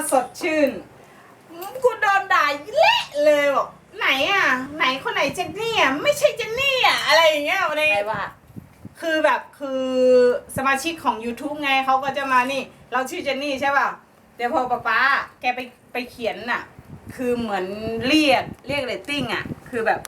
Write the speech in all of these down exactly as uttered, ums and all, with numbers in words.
สดชื่นกูโดนด่าเละเลยบอกไหนอ่ะไหนคนไหนเจนนี่อ่ะไม่ใช่เจนนี่อ่ะอะไรอย่างเงี้ยในใครว่าคือแบบคือสมาชิกของ YouTube ไงเขาก็จะมานี่เราชื่อเจนนี่ใช่ป่ะเดี๋ยวพอป๊าป๊าแกไปไปเขียนน่ะคือเหมือนเรียกเรียกเรตติ้งอ่ะคือแบบ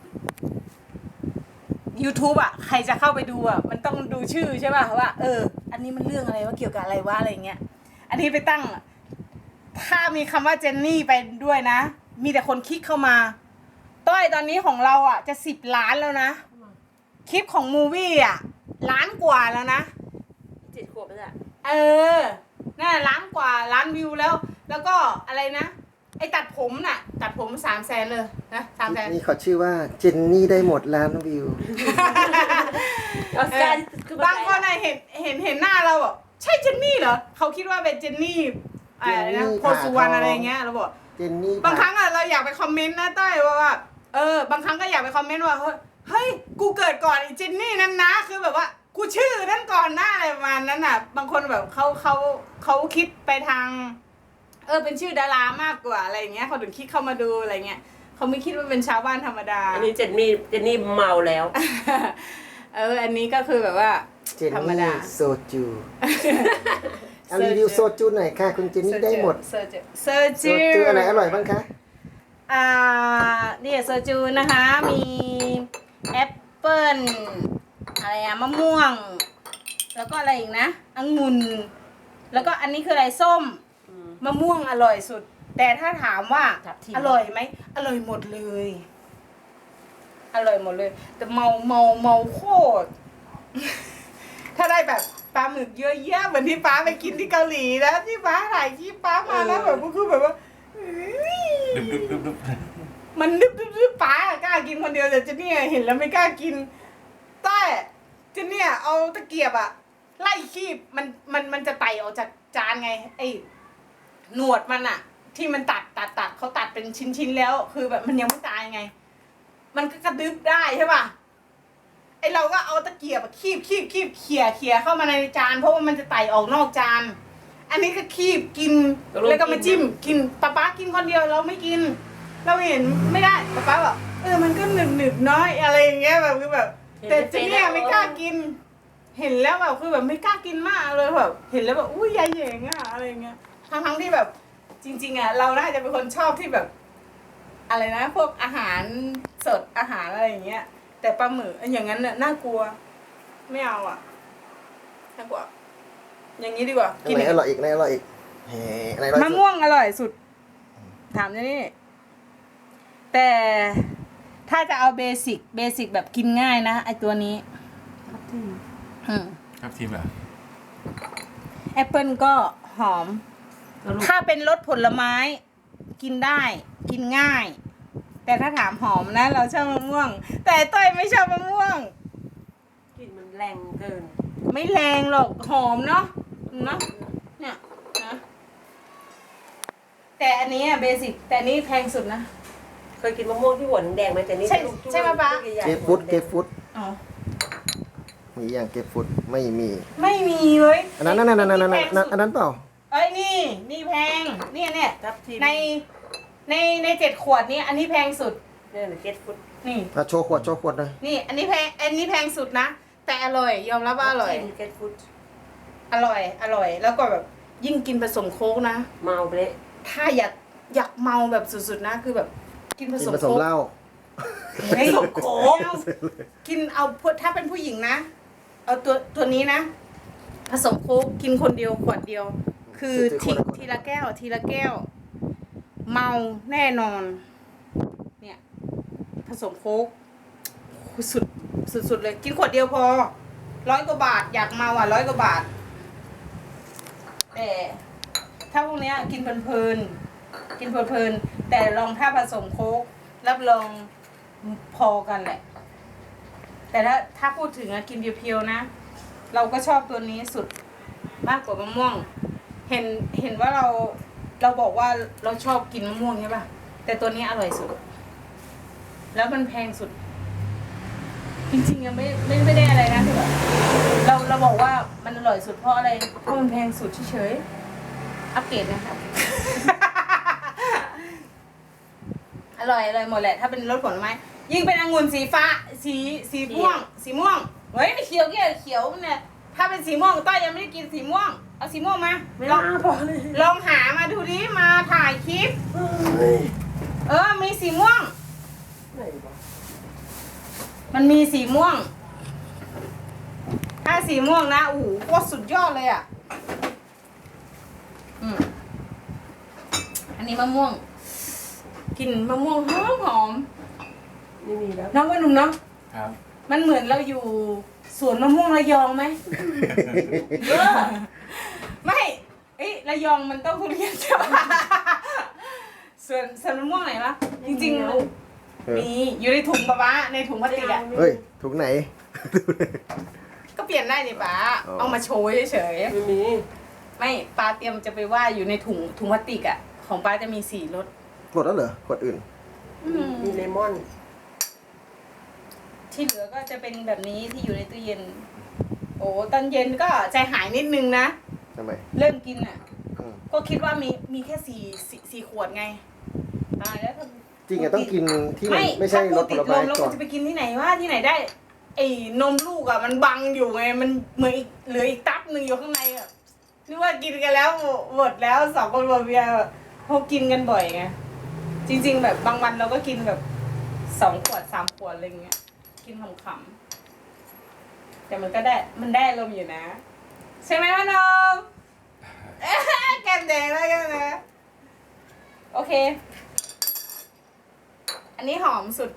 YouTube อ่ะใครจะเข้าไปดูอ่ะมันต้องดูชื่อใช่ป่ะว่าเอออันนี้มันเรื่องอะไรว่าเกี่ยวกับอะไรวะอะไรเงี้ยอันนี้ไปตั้งถ้ามีคำว่าเจนนี่ไปด้วยนะมีแต่คนคลิกเข้ามาต้อยตอนนี้ของเราอ่ะจะสิบล้านแล้วนะคลิปของมูวี่อ่ะล้านกว่าแล้วนะเจ็ดขวบแล้วอ่ะเออน่าล้านกว่าล้านวิวแล้ว แล้วก็อะไรนะไอ้ตัดผมน่ะตัดผมสามแสนเลยนะสามแสนนี่เขาชื่อว่าเจนนี่ได้หมดล้านวิวออสการ์คือบางคนน่ะเห็นเห็นเห็นหน้าเราบอกใช่เจนนี่เหรอเขาคิดว่าเป็นเจนนี่อะไรนะเจนนี่โพสุวรรณอะไรเงี้ยเราบอกเจนนี่บางครั้งอะเราอยากไปคอมเมนต์นะต้อยว่าว่าเออบางครั้งก็อยากไปคอมเมนต์ว่าเฮ้ยเฮ้ยกูเกิดก่อนไอ้เจนนี่นั่นนะคือแบบว่ากูชื่อนั่นก่อนหน้าอะไรประมาณนั้นน่ะ บางคนแบบเขาเขาเขาคิดไปทาง เออเป็นชื่อดารามากกว่าอะไรอย่างเงี้ยเขาถึงคิดเข้ามาดูอะไรเงี้ยเขาไม่คิดว่าเป็นชาวบ้านธรรมดาอันนี้เจนนี่เจนนี่เมาแล้วเอออันนี้ก็คือแบบว่าเจนธรรมนี่ดาโซจูเอารีวิวโซจูหน่อยค่ะคุณเจนนี่ได้หมดเซอร์จูเซอร์โซจูจูอะไรอร่อยบ้างคะอ่าเนี่ยเซอร์จูนะคะมีแอปเปิ้ลอะไรอะมะม่วง แล้วก็อะไรอีกนะองุ่นแล้วก็อันนี้คืออะไรส้มมะม่วงอร่อยสุด แต่ถ้าถามว่าอร่อยไหมอร่อยหมดเลย อร่อยหมดเลย แต่เมาเมาเมาโคตร ถ้าได้แบบปลาหมึกเยอะแยะเหมือนที่ป้าไปกินที่เกาหลีนะที่ป้าถ่ายที่ป้ามาแล้วแบบก็คือแบบว่าเฮ้ยดึบดึบดึบดึบมันดึบดึบดึบป้ากล้ากินคนเดียวแต่เจนนี่เห็นแล้วไม่กล้ากินแต่เจนเนี่ยเอาตะเกียบอะไล่คีบมันมันมันจะไต่ออกจากจานไงไอ้หนวดมันอะที่มันตัดตัดตัดเขาตัดเป็นชิ้นชิ้นๆแล้ว คือแบบมันยังไม่ตายไง มันก็กระดึบได้ใช่ป่ะไอเราก็เอาตะเกียบอะคีบคีบคีบเขี่ยเขี่ยเข้ามาในจานเพราะว่ามันจะไต่ออกนอกจานอันนี้ก็คีบกินแล้วก็มาจิ้มกินป๊าป๊ากินคนเดียวเราไม่กิน เราเห็นไม่ได้ป๊าป๊าบอกเออมันก็หนึบหนึบน้อยอะไรอย่างเงี้ยแบบคือแบบ แต่เจนเนี่ยไม่กล้ากิน เห็นแล้วแบบคือแบบไม่กล้ากินมากเลยแบบเห็นแล้วแบบอุ้ยยายเหยงอะอะไรเงี้ยทั้งทั้งที่แบบ จริงๆอะเราน่าจะเป็นคนชอบที่แบบ อะไรนะพวกอาหารสดอาหารอะไรอย่างเงี้ยแต่ปลาหมึกอย่างนั้นน่ะน่ากลัว ไม่เอาอ่ะน่ากลัว อย่างนี้ดีกว่าอันไหนอร่อยอีกอันไหนอร่อยอีกเฮ้อันไหนอร่อยมะสุดม่วงอร่อยสุด ถามนี่แต่ถ้าจะเอาเบสิกเบสิกแบบกินง่ายนะไอตัวนี้อืมครับทีมเหรอแอปเปิลก็หอม ถ้าเป็นรสผลไม้ กินได้กินง่าย แต่ถ้าถามหอมนะ เราชอบมะม่วง แต่ต้อยไม่ชอบมะม่วงกลิ่นมันแรงเกินไม่แรงหรอกหอมเนาะเนาะเนี่ยนะแต่อันนี้อะเบสิกแต่อันนี้แพงสุดนะเคยกินมะม่วงที่หัวแดงไหมแต่นี่ใช่ใช่ไหมป๊าเกฟฟุตเกฟฟุตอ๋อมีอย่างเกฟฟุตไม่มีไม่มีเลยอันนั้นนั่นนั่นนั่นนั่นแพงสุดอันนั้นเปล่าเอ้ยนี่นี่แพงเนี่ยเนี่ยทับทิมในในในเจ็ดขวดนี้อันนี้แพงสุดเนี่ยเก็ตฟุตนี่อ่ะโชว์ขวดโชว์ขวดหน่อยนี่ อันนี้แพงอันนี้แพงสุดนะแต่อร่อย ยอมรับว่าอร่อยเก็ตฟุตอร่อย อร่อย แล้วก็แบบยิ่งกินผสมโค้กนะเมาไปเลยถ้าอยากอยากเมาแบบสุดๆนะ คือแบบกินผกินสมผสมโค้กเหล้าเฮ้ยโค้กกินเอาพวกถ้าเป็นผู้หญิงนะ เอาตัวตัวนี้นะ ผสมโค้กกินคนเดียวขวดเดียว คือทีทีละแก้ว ทีละแก้ว เมาแน่นอน เนี่ย ผสมโค้กสุดสุดๆเลย กินขวดเดียวพอร้อยกว่าบาท อยากเมาอ่ะร้อยกว่าบาท แต่ถ้าพวกเนี้ยกินเพลินๆกินเพลินๆแต่ลองถ้าผสมโค้กรับรองพอกันแหละ แต่ถ้าถ้าพูดถึงอะกินเพียวๆนะ เราก็ชอบตัวนี้สุดมากกว่ามะม่วง เห็นเห็นว่าเราเราบอกว่าเราชอบกินมะม่วงใช่ป่ะแต่ตัวนี้อร่อยสุด แล้วมันแพงสุด จริงๆยังไม่ไม่ไม่ได้อะไรนะคือแบบเราเราบอกว่ามันอร่อยสุดเพราะอะไรเพราะมันแพงสุดเฉยๆอัปเกรดนะครับอร่อยอร่อยหมดแหละถ้าเป็นรสผลไม้ยิ่งเป็นองุ่นสีฟ้าสีสีม่วง สีม่วงเฮ้ยไม่เขียวเกี่ยวเขียวเนี่ยถ้าเป็นสีม่วงต้อยยังไม่ได้กินสีม่วงเอาสีม่วงมาไม่ลน่าองพอเลยลองหามาดูดิมาถ่ายคลิปเฮ้ยเออมีสีม่วงไหนวะมันมีสีม่วง ถ้าสีม่วงนะโอ้โหโคตรสุดยอดเลยอ่ะอืมอันนี้มะม่วงกลิ่นมะม่วงหอมหอมไม่มีแล้วน้องว่าหนุ่มเนาะครับมันเหมือนเราอยู่สวนมะม่วงระยองไหมเออไม่เอ้ยระยองมันต้องทุเรียนใช่ปะสวนสวนมะม่วงไหนวะจริงๆเออมีอยู่ในถุงปะวะในถุงพลาสติกอะเฮ้ยถุงไหนก็เปลี่ยนได้นี่ป้าอ๋อเอามาโชว์เฉยไม่มีๆไม่ป้าเตรียมจะไปว่าอยู่ในถุงถุงพลาสติกอะของป้าจะมีสี่รสหมดแล้วเหรอขวดอื่นอืมมีเลมอนที่เหลือก็จะเป็นแบบนี้ที่อยู่ในตู้เย็น โอ้ตอนเย็นก็ใจหายนิดนึงนะทำไมเริ่มกินอะอืมก็คิดว่ามีมีแค่สี่สี่สี่ขวดไงตายแล้วถ้าจริงอะต้องกินที่มันไม่ไม่ใช่ถ้ารสติผดลลไม้มแล้วก่อมันนจะไปกินที่ไหนว่าที่ไหนได้ ไอ้นมลูกอะมันบังอยู่ไง มันเหมือนอีกเหลืออีกตับหนึ่งอยู่ข้างในอะนึกว่ากินกันแล้วหมดแล้วสองคนบเบียร์เขากินกันบ่อยไงจริง ๆ แบบบางวันเราก็กินแบบสองขวดสามขวดอะไรเงี้ยกินขำๆแต่มันก็ได้มันได้ลมณ์อยู่นะ ใช่ไหมวะน้อง แก้มแดงแล้วกันนะโอเค อันนี้หอมสุด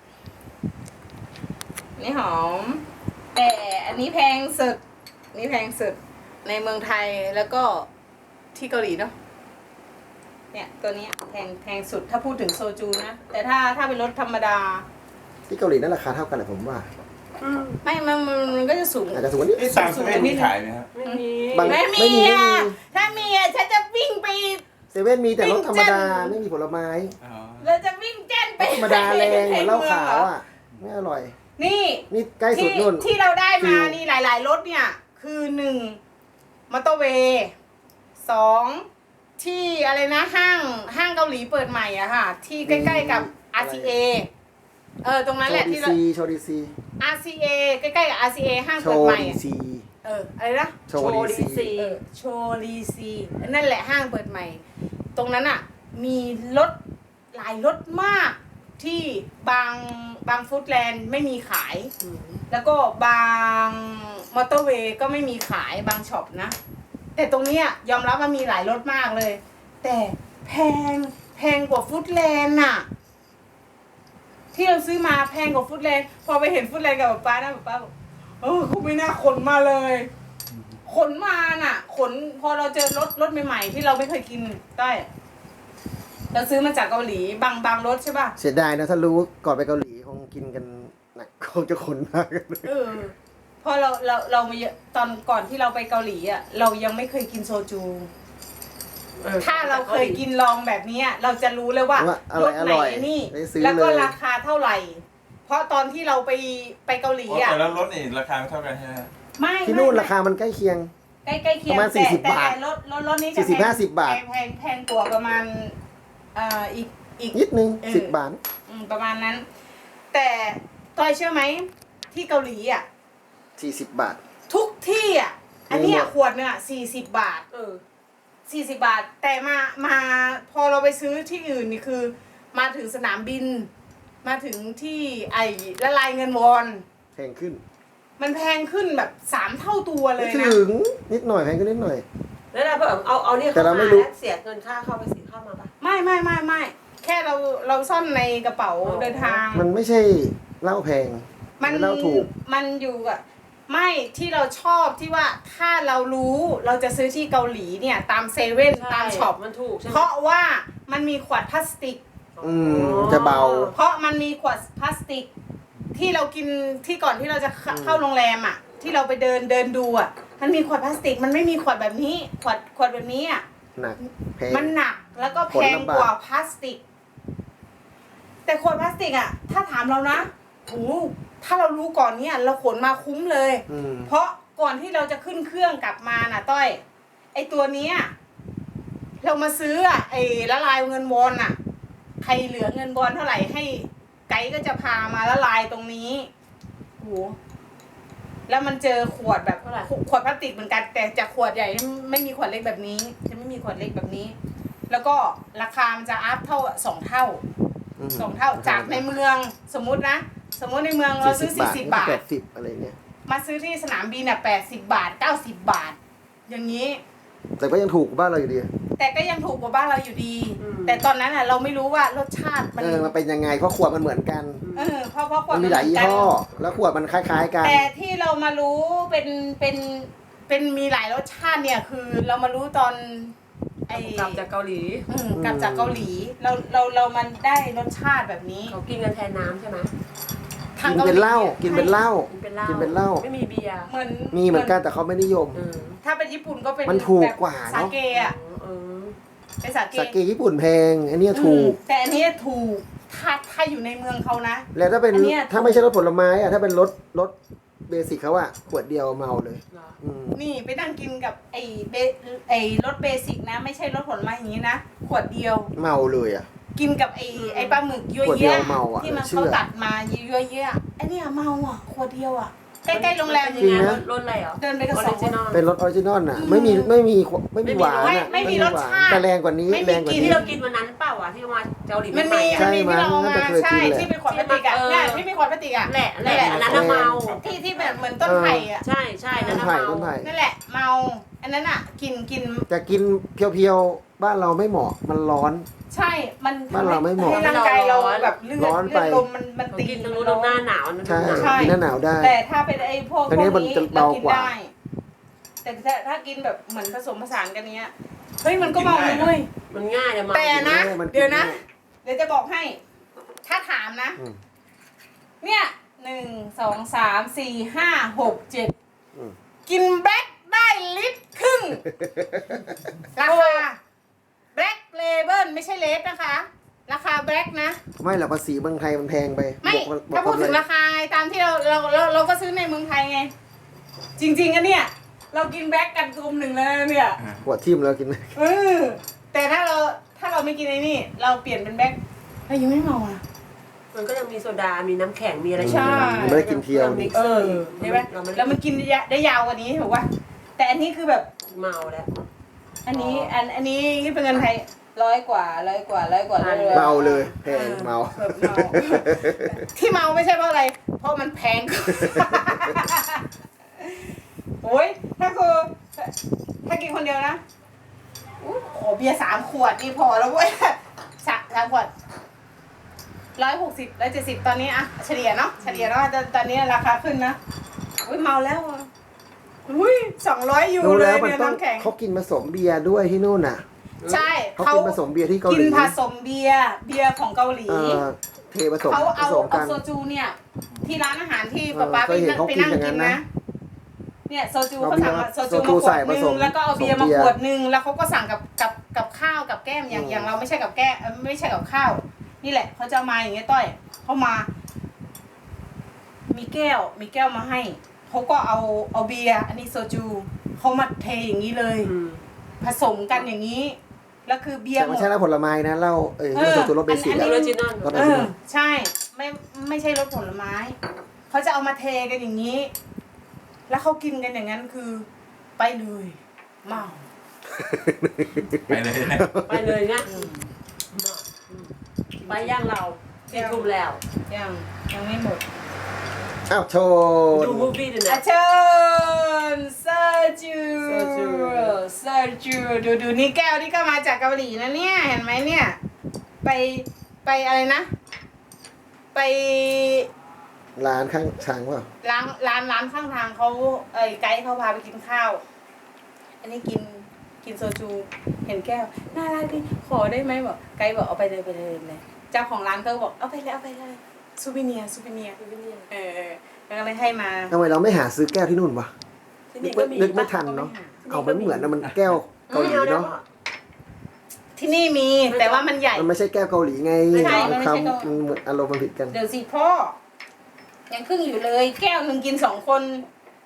อันนี้หอม แต่อันนี้แพงสุดอันนี้แพงสุดในเมืองไทยแล้วก็ที่เกาหลีเนาะเนี่ยตัวนี้แพงแพงสุดถ้าพูดถึงโซจูนะ แต่ถ้าถ้าเป็นรสธรรมดาที่เกาหลีนั่นราคาเท่ากันแหละผมว่าไม่มันมันมันก็จะสูงอาจจะสูงกว่านี้นี่ตามเซเว่นมีขายไหมครับไม่มีบางไม่ไม่มีมีอ่ะถ้ามีอ่ะฉันจะวิ่งไปเซเว่นมีแต่รสธรรมดาปิ้งจันไม่มีผลไม้อ๋อเราจะวิ่งแจ้นไปธรรมดาแรงเหมือนเหล้าขาวอ่ะไม่อร่อยนี่นี่ใกล้สุที่ดนู่นที่เราได้มาฟิวนี่หลาย ๆ รถเนี่ย คือหนึ่งมอเตอร์เวย์สองที่อะไรนะห้างห้างเกาหลีเปิดใหม่อะค่ะ ที่ใกล้ ๆ กับ อาร์ ซี เอ เออตรงนั้นโชแหละว์ดีที่เราซีโชว์ดีซีอาร์ ซี เอ ใกล้ ๆ กับ อาร์ ซี เอ ห้างโชเปิดว์ใหม่ดีอะซีเอออะไรนะโชว์ดีซีเออโชลีซีนั่นแหละห้างเปิดใหม่ ตรงนั้นอ่ะ มีรถหลายรถมากที่บางบางฟู้ดแลนด์ไม่มีขายอืมแล้วก็บางมอเตอร์เวย์ก็ไม่มีขายบางช็อปนะ แต่ตรงเนี้ยยอมรับว่ามีหลายรถมากเลย แต่แพงแพงกว่าฟู้ดแลนด์น่ะ ที่เราซื้อมาแพงกว่าฟู้ดแลนด์พอไปเห็นฟู้ดแลนด์กับป๊าป้านะป๊าป้าบอกเออคุณไม่น่าขนมาเลย ขนมาน่ะ ขนพอเราเจอรถรถใหม่ๆที่เราไม่เคยกินได้เราซื้อมาจากเกาหลีบางบางรถใช่ป่ะเสียดายนะถ้ารู้ก่อนไปเกาหลีคงกินกันหนักคงจะขนมากเลยเออพอเราเราเรามาเยอะตอนก่อนที่เราไปเกาหลีอ่ะเรายังไม่เคยกินโซจูออถ้าเราเคยกินลองแบบเนี้ยเราจะรู้เลยว่าว่าอรร่อยสอไหนร่อยนี่ได้ซื้อแล้วก็เลยราคาเท่าไหร่ เพราะตอนที่เราไปไปเกาหลีอ๋ออ่ะแต่แล้วรถนี่ราคาไม่เท่ากันใช่ไหมครับไม่ที่นู่นไม่ราคามันใกล้เคียงใกล้ใกล้เคียงประมาณแต่ 40 แต่บาทรถรถรถนี้จะสี่สิบแพงห้าสิบบาทแพงแพงแพงกว่าประมาณเอ่ออีกอีกนิดนึงเออสิบบาทอืมประมาณนั้น แต่ต้อยเชื่อไหมที่เกาหลีอ่ะสี่สิบบาททุกที่อ่ะ อันเนี้ยมีหมดขวดเนี่ยสี่สิบบาทเออสี่สิบบาท แต่มามาพอเราไปซื้อที่อื่นนี่คือ มาถึงสนามบิน มาถึงที่ไอ้ละลายเงินวอนแพงขึ้นมันแพงขึ้นแบบสามเท่าตัวเลไม่ยนะถึงนิดหน่อยแพงขึ้นนิดหน่อยแล้วเราแบบเอาเอาเนี่ยแต่เข้าเรามาไม่รู้แล้วเสียเงินค่าเข้าไปสิเข้ามาปะไม่ไม่ไม่ไม่แค่เราเราซ่อนในกระเป๋าอ๋อเดินทางมันไม่ใช่เหล้าแพงมันเหล้าถูกมันอยู่อะไม่ที่เราชอบที่ว่าถ้าเรารู้เราจะซื้อที่เกาหลีเนี่ย ตามเซเว่นตามช็อปมันถูกใช่ไหมเพราะว่ามันมีขวดพลาสติกอืมจะเบาเพราะมันมีขวดพลาสติก ที่เรากินที่ก่อนที่เราจะเข้าอืมเข้าโรงแรมอ่ะ ที่เราไปเดินเดินดูอ่ะ มันมีขวดพลาสติก มันไม่มีขวดแบบนี้ ขวดขวดแบบนี้อ่ะหนักแพงมันหนักแล้วก็แพงขนลำบากกว่าพลาสติก แต่ขวดพลาสติกอ่ะ ถ้าถามเรานะโอ้ถ้าเรารู้ก่อนเนี่ยเราขนมาคุ้มเลยอืมเพราะก่อนที่เราจะขึ้นเครื่องกลับมาน่ะ ต้อย ไอตัวเนี้ยเรามาซื้ออ่ะไอ้ละลายเงินวอนอ่ะ ใครเหลือเงินวอนเท่าไหร่ให้ไกด์ก็จะพามาละลายตรงนี้โหแล้วมันเจอขวดแบบขวดพลาสติกเหมือนกัน แต่จากขวดใหญ่ไม่มีขวดเล็กแบบนี้ จะไม่มีขวดเล็กแบบนี้ แล้วก็ราคามันจะอัพเท่าสองเท่าสองเท่าจากในเมืองสมมุตินะสมมติในเมืองเราซื้อสี่สิบบาทแปดสิบอะไรเงี้ยมาซื้อที่สนามบินอ่ะแปดสิบบาทเก้าสิบบาท อย่างนี้แต่ก็ยังถูกกว่าบ้านเราอยู่ดีแต่ก็ยังถูกกว่าบ้านเราอยู่ดี แต่ตอนนั้นอ่ะเราไม่รู้ว่ารสชาติมันเออมันเป็นยังไงเพราะขวดมันเหมือนกันเออเพราะเพราะขวดมันมีหลายยี่ห้อแล้วขวดมันคล้ายๆกันแต่ที่เรามารู้เป็นเป็นเป็นมีหลายรสชาติเนี่ยคือเรามารู้ตอนไอ้กลับจากเกาหลีอืมกลับจากเกาหลีเราเราเรามันได้รสชาติแบบนี้เขากินกันแทนน้ำใช่ไหมทางกินเป็นเหล้ากินเป็นเหล้ากินเป็นเหล้ากินเป็นเหล้าไม่มีเบียร์เหมือนมีเหมือนกันแต่เขาไม่นิยมเออถ้าเป็นญี่ปุ่นก็เป็นมันถูกแบบกว่าเนอะสาเกอ่ะเออเป็นสาเกสาเกญี่ปุ่นแพงอันเนี้ยถูกอืมแต่อันเนี้ยถูกถ้าถ้าอยู่ในเมืองเขานะแล้วถ้าเป็นอันเนี้ยถ้าไม่ใช่รถผลไม้อะถ้าเป็นรถรถเบสิกเขาอะขวดเดียวเมาเลยเหรออืมนี่ไปนั่งกินกับไอ้เบไอ้รสเบสิกนะ ไม่ใช่รสผลไม้อย่างนี้นะขวดเดียวเมาเลยอะกินกับไอ้ไอ้ปลาหมึกยั่วขวดเดีเยี่ยยวเมาอะที่มันเชื่อเขาตัดมายั่วเยี่ยไอ้เนี่ยเมาอ่ะขวดเดียวอ่ะใกล้ๆโรงแรมเป็นจริยัง งไงนะรสอะไรเหรอเดินไปกับสองคน Original เป็นรสออริจินอลน่ะไม่มีไม่มีไม่มีหวานไม่อะไม่มีรสหวานชาติแต่แรงกว่านี้ไม่มีแรงกว่ากิที่นี้เรากินวันนั้นเปล่าวะที่มาเกาหลีมันใหม่มีๆใช่มันมีที่เราเอามั้งมาน่าจะเคยใช่กินแหละที่เป็นขวดพลาสติกอ่ะเออเนี่ยที่เป็นขวดพลาสติกอ่ะแหละแหละอันนั้นน่ะเมาที่ที่แบบเหมือนต้นไผ่อ่ะใช่ใช่นั่ต้นนน่ะไผ่เมาต้นไผ่นั่นแหละเมาอันนั้นอ่ะกินกินแต่กินเพียวๆบ้านเราไม่เหมาะมันร้อนใช่มันบ้านเราไม่เหมาะให้ร่างกายเราแบบเลือดร้อนเลืไปอดลมมันมันเขาตีกินตรงนู้นตรงหน้าหนาวนั่นใช่หนาวใช่กินหน้าหนาวได้แต่ถ้าเป็นไอ้พวกพอันวนี้กมันนี้จะเราเบากินกว่าได้ แต่ถ้าถ้ากินแบบเหมือนผสมผสานกันเนี้ยเฮ้ยมันก็เมาเลยเว้ยมันง่ายอะเมาแต่นะเออมันกินเดี๋ยวนะง่ายเดี๋ยวจะบอกให้ ถ้าถามนะอืมเนี่ยหนึ่งสองสามสี่ห้าหกเจ็ดอืมกินแบล็คได้ลิตรครึ่ง ราคาแบล็คเลเบิลไม่ใช่เลสนะคะ ราคาแบล็คนะไม่หรอกภาษีเมืองไทยมันแพงไปไม่บวกบวกถ้าพูดถึงเลยราคาไงตามที่เราเราเราเราก็ซื้อในเมืองไทยไง จริงๆอะเนี่ย เรากินแบล็คกันกลุ่มหนึ่งแล้วนะเนี่ยขวดทิ่มแล้วกินเออแต่ถ้าเราถ้าเราไม่กินไอ้นี่ เราเปลี่ยนเป็นแบล็คเรายังไม่เมาอ่ะมันก็ยังมีโซดา มีน้ำแข็ง มีอะไรใช่มันไม่ได้กินเพียวนี่เออใช่ไหมเราไม่แล้วมันกินได้ยะได้ยาวกว่านี้ถูกป่ะแต่อันนี้คือแบบเมาแล้วอันนี้อันอันนี้เป็นเงินไทยร้อยกว่าร้อยกว่าร้อยกว่าร้อยกว่าเมาเลยแพงเมาแบบเมาที่เมาไม่ใช่เพราะอะไร เพราะมันแพงกว่าโอ้ยถ้าคือถ้ากินคนเดียวนะอุ๊ยขอเบียร์สามขวดนี่พอแล้วเว้ยสามสามขวดร้อยหกสิบร้อยเจ็ดสิบตอนนี้อะเฉลี่ยเนาะเฉลี่ยเนาะตอนตอนนี้ราคาขึ้นนะอุ้ยเมาแล้วอะอุ้ยสองร้อยยูรู้เลแล้วยมันเนี่ยต้องน้ำแข็งเขากินผสมเบียร์ด้วยที่นู่นน่ะใช่เขากินผสมเบียร์ที่เกาหกิลีนผสมเบียร์เบียร์ของเกาหลีเอ่อเทผสมเขาผเอาสมเอากันโซจูเนี่ย ที่ร้านอาหารที่เออป๊าป๊าเคไปยเห็นนั่งเขาไปกินนั่งอย่างนั้กินนนะนะ เนี่ยโซจูเอาเขาเบียสั่งร์มาโซโซจูจูมาขใส่วดผนึสงมแล้วก็เอาเบียร์มาผสมเบียร์ขวดนึงแล้วเขาก็สั่งกับกับกับข้าวกับแก้มอย่างอืมอย่างเราไม่ใช่กับแก้มเอ่อไม่ใช่กับข้าว นี่แหละเขาจะเอามาอย่างเงี้ยต้อยเขามา มีแก้ว มีแก้วมาให้เขาก็เอาเอาเบียร์อันนี้โซจูเขามาเทอย่างนี้เลยอืมผสมกันอย่างนี้ แล้วคือเบียร์แต่หมไม่ดใช่เหล้าผลไม้นะเหล้าเออเออโซจูรสเบสิกอันอะนี้ออริจินอลรสอเออริจิอนอลใช่ไม่ไม่ใช่รสผลไม้เขาจะเอามาเทกันอย่างนี้ แล้วเขากินกันอย่างนั้นคือ ไปเลยเมาไปเลยนะไปเลยนะไปย่างเราสี่ทุ่มแล้วยังยังไม่หมดอ้าวโชว์ดูมูฟวี่ด้วยอานะเชิญเซอร์จูเซอร์จูเซอร์จูดูดูนี่แก้วที่ก็มาจากเกาหลีนะเนี่ยเห็นไหมเนี่ย ไปไปอะไรนะ ไปร้านข้างช้างเปล่าร้านร้านร้านข้างทางเขาเอ้ยไกด์เขาพาไปกินข้าว อันนี้กินกินโซจู เห็นแก้วน่ารักดิขอได้ไหมบอกไกด์บอกเอาไปเลยไปเลยเลยเจ้าของร้านก็บอกเอาไปเลยเอาไปเลยซูเวเนียซูเวเนียเออเออแล้วก็เลยให้มาทำไมเราไม่หาซื้อแก้วที่นู่นวะที่นึนี่กก็ไม่มีนึกไม่ปะทันเนาะที่นี่ก็มีเอามันเหมือนนะมันแก้วเกาหลีเนาะที่นี่มีแต่ว่ามันใหญ่มันไม่ใช่แก้วเกาหลีไงไม่ใช่มันไม่ใช่คำเกาหลีมันเหมือนอารมณ์มันผิดกันเดี๋ยวสิพ่อ ยังครึ่งอยู่เลย แก้วหนึ่งกินสองคน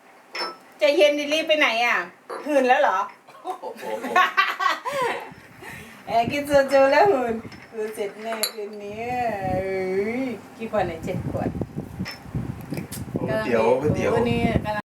จะเย็นดิรีบไปไหนอ่ะหื่นแล้วเหรอแอบกินโซจูแล้วหุ่นดูเสร็จแน่คืนนี้เอ้ยกี่ขวดเนี่ยเจ็ดขวดก๋วยเตี๋ยวก๋วยเตี๋ยววันนี้กำลัง